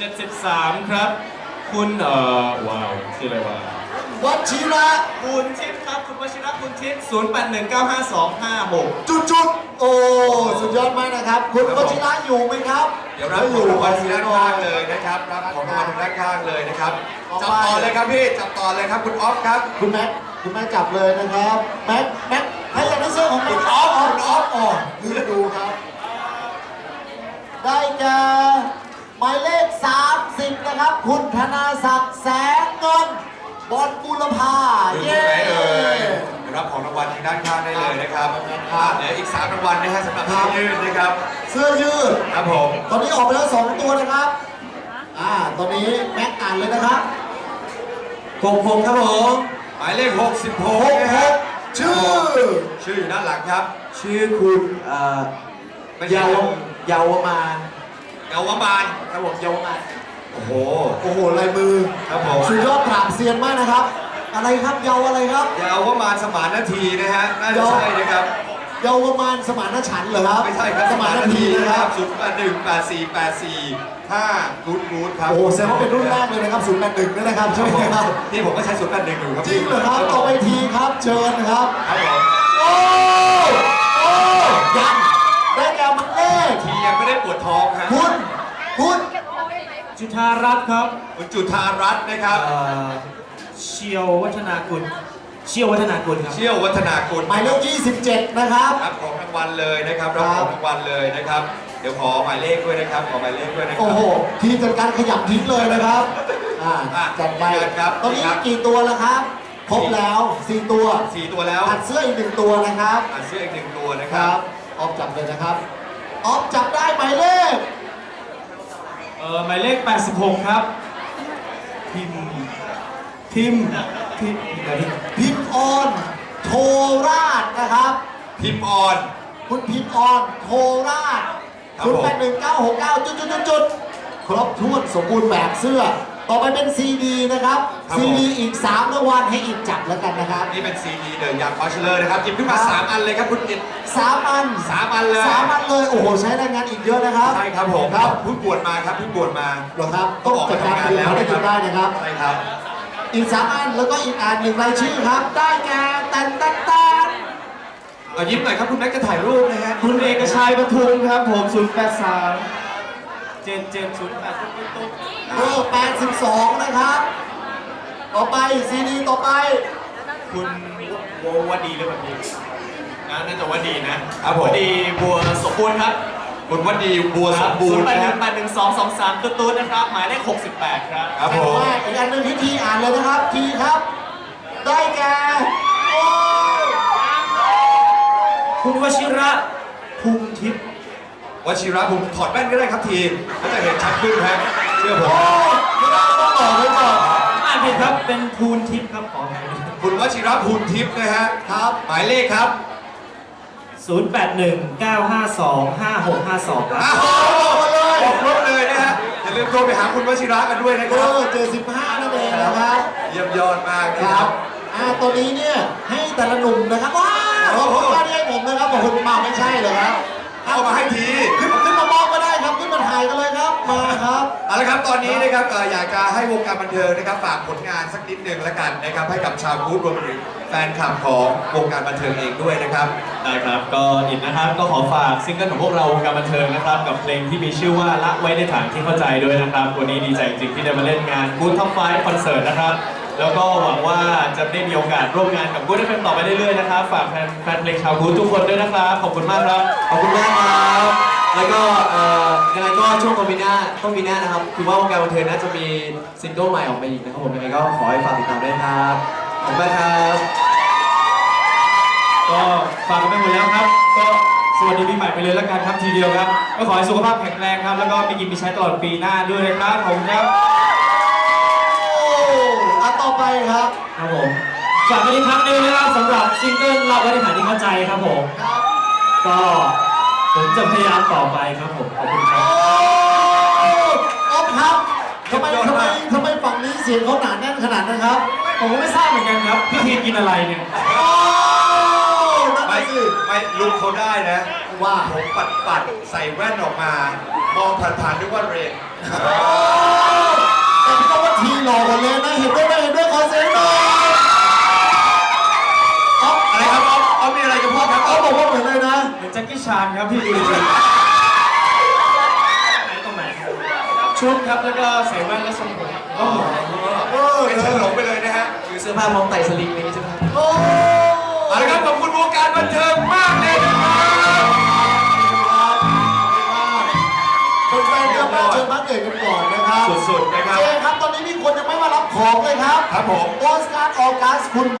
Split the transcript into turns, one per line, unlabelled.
73ครับคุณว้าวชื่ออะไรวะ
วชิระ
คุณทิพย์ครับคุณวชิระคุณทิพย์08195256
จุดโอ้สุดยอดมากนะครับคุณวชิระอยู่ไหมครับ
เดี๋ยวรับของรางวัลทางด้านข้างเลยนะครับรับของรางวัลทางด้านข้างเลยนะครับจับต่อเลยครับพี่จับต่อเลยครับคุณออฟครับ
คุณแม็กจับเลยนะครับแม็กให้อยากได้เสื้อของแม็กออฟยืนดูครับ ได้แก่หมายเลข30นะครับ คุณธนาศักดิ์แสงเงินบอลบุรพา
อยู่ที่ไหนเอ่ยรับของรางวัลทางด้านข้างได้เลยนะครับเดี๋ยวอีก3รางวัลนะฮะสำหรับเสื้อยืดนะครับ
เสื้อยืด
ครับผม
ตอนนี้ออกไปแล้ว2ตัวนะครับตอนนี้แม็กอ่านเลยนะครับ66ครับผม
หมายเลข66นะฮะ
66ชื่อ
อยู่ด้านหลังครับ
ชื่อคุณเยาวมาน
เยาวมาน
ครับผมเยาวมาน
โอ้โห
โอ้โหลายมือ
ครับผม
สุดยอดปราบเซียนมากนะครับ อะไรครับเยาวอะไรครับ
เยาวมานสมานนาทีนะฮะน่าจะใช่นะครับ
เยาวมานสมานฉันท์เหรอครับ
ไม่ใช่ครับ
สมานนาทีนะครับ
0818484 5รูทครับ
โอ้โหแสดงว่าเป็นรุ่นแรกเลยนะครับ081ด้วยนะครับใช่ไหมครับ
ที่ผมก็ใช้081อยู่ครับ
จริงเหรอครับต่อไปทีครับเชิญครับ
ครับผม
โอ้ยังได้แก่หมายเลข
ทียังไม่ได้ปวดท้องฮะ
คุณ
จุธารัตน์ครับ
คุณจุธารัตน์นะครับ
เชียววัฒนากุลเชี่ยววัฒนากุลครับ
เชี่ยววัฒนากุล
หมายเลข27นะครับ
รับของรางวัลเลยนะครับรับของรางวัลเลยนะครับ เดี๋ยวขอหมายเลขด้วยนะครับ ขอหมายเลขด้วยนะครั
โอ้โหทีมจัดการขยับทิ้งเลยนะครับจัดไป
ครับ
ตอนนี้กี่ตัวแล้วครับครบแล้ว4ตัว
4 ตัวแล้ว
อัดเสื้ออีก1ตัวนะครับ
เสื้ออีก1ตัวนะ
ค
ค
รั
รั
บบ ออฟจับเลยนะครับออฟจับได้หมายเลข
หมายเลข86ครับทิม
พิมพ์ออนโทราชนะครับ
พิมพ์ออน
คุณพิมพ์ออนโทราช
ครับผม
081969จุดครบถ้วนสมบูรณ์แบบเสื้อ ต่อไปเป็นซีดีนะครับซีดีอีก3รางวัลให้อีกจับแล้วกันนะครับ
นี่เป็นซีดีเดอะยังบัชเลอร์นะครับหยิบขึ้นมา3 อันเลยครับคุณอิด
3 อัน
3 อันเลย
3 อันเลยโอ้โหใช้แรงงานอีกเยอะนะครับ
ใช่ครับผม
ครับ
เพิ่งบวชมาครับเพิ่งบวชมา
หรอครับต้องจัดการดูเขาได้กินได้นะครับ
ใช่ครับ
อีก3 อันแล้วก็อีกอัน1รายชื่อครับ ได้แก่ตัน
เอายิ้มหน่อยครับคุณแม็กจะถ่ายรูปนะฮะ
คุณเอกชัยปทุมครับผม083 7708ตุ๊ก
เบอร์82นะครับต่อไปซีดีต่อไป
คุณวดีหรือเปล่าพี่น่าจะวดีนะครับ
ผม
วดีบัวสมบูรณ์ครับ
คุณวัดดีบัวสมบูรณ์นะครับ
08181223ตุ๊ดนะครับหมายเลข68ครับ
ครับผม
อีกอันหนึ่งที่ทีอ่านเลยนะครับทีครับ ได้แก่โอ้
คุณวชิระภูมิทิพย์
วชิระผมถอดแว่นก็ได้ครับทีมก็จะเห็นชัดขึ้นครับเชื่อผม
ไม่ได้ต้องต่อไว้ก่อน
อ่านผิดครับเป็นภูนทิพย์ครับขออภัย
คุณวชิระภูลทิพย์นะฮะ
ครับ
หมายเลขครับ
0819525652ครับ
อ้าวบอกครบเลยนะฮะอย่าลืมโทรไปหาคุณวชิระกันด้วยนะ
เบ
ค
อ
รับ
ร์75นั่นเองนะครับ
เยี่ยมยอดมาก
ค
นะค
รั
รั
บบ ตัวนี้เนี่ยให้แต่ละหนุ่มนะครับว้าวขอบคุณมากที่ให้ผมนะครับบอกคุณมาไม่ใช่เหรอครับ
เอามาให้ที
ขึ้นมามอบก็ได้ครับขึ้นมาถ่ายกันเลยครับมาครับ
เอาละครับตอนนี้นะครับอยากจะให้วงการบันเทิงนะครับฝากผลงานสักนิดหนึ่งแล้วกันนะครับให้กับชาวกู๊ดรวมถึงแฟนคลับของวงการบันเทิงเองด้วยนะครับ
ได้ครับก็อินนะครับก็ขอฝากซิงเกิลของพวกเราวงการบันเทิงนะครับกับเพลงที่มีชื่อว่าละไว้ในฐานที่เข้าใจด้วยนะครับวันนี้ดีใจจริงๆที่ได้มาเล่นงาน Good Top 5 คอนเสิร์ตนะครับแล้วก็หวังว่าจะได้มีโอกาสร่วมงานกับ Good FM ต่อไปเรื่อยๆนะครับฝากแฟนเพลงชาว Good ทุกคนด้วยนะครับขอบคุณมากครับ
ขอบคุณมากครับ แล้วก็ยังไงก็ช่วงต้นปีหน้านะครับคือว่าวงการบันเทิงน่าจะมีซิงเกิลใหม่ออกมาอีกนะครับผมยังไงก็ขอให้ฝากติดตามด้วยครับขอบคุณมากครับ
ก็ฝากกันไปหมดแล้วครับก็สวัสดีปีใหม่ไปเลยแล้วกันครับทีเดียวครับก็ขอให้สุขภาพแข็งแรงครับแล้วก็มีกินมีใช้ตลอดปีหน้าด้วยนะครับขอบคุณครับ
โอ้ต่อไปครับ
ครับผมฝากกันอีกครั้งหนึงนะครับสำหรับซิงเกิลเราไว้ในฐานที่เข้าใจครับผม
ครับ
ก็ผมจะพยายามต่อไปครับผมขอบคุณครับ
ออฟครับทำไมฝั่งนี้เสียงเขาหนาแน่นขนาดนั้นครับ
ผมก็ไม่ทราบเหมือนกันครับพี่ทีกินอะไรเนี่ย
นั่น
ไม่
สิ
ไม่ลุกเขาได้นะ
วว่า
ผมปัดใส่แว่นออกมา มองผ่านๆนึกว่าเรน
แต่พี่ต้องว่าทีหล่อกว่าเลยนะ เห็นด้วยไหมเห็นด้วยขอเสียงหน่อยอ๊อฟ
อะไรครับเอามีอะไรจะพูดครับ
เขาบอกว่าเหมือนเลยนะ
เหมือนแจ็คกี้ชานครับพี่ดูสิไหนตรงไหนชุดครับแล้วก็ใส่แว่นและทรงผมโอ้โห
เป็นเฉินหลงไปเลยนะฮะ
คือเสื้อผ้ามองไต่สลิงอะไรอย่างงี้ใช่ไหมครับ
โอ้
เอาละครับขอบคุณวงการบันเทิงมากเลยนะครับ
คนแฟนกลับมาเชิญพักเอกกันก่อนนะครับ
สุดๆนะครับ
เจครับตอนนี้มีคนยังไม่มารับของเลยครับ
ครับผม
โอสการ์ออกัสคุณ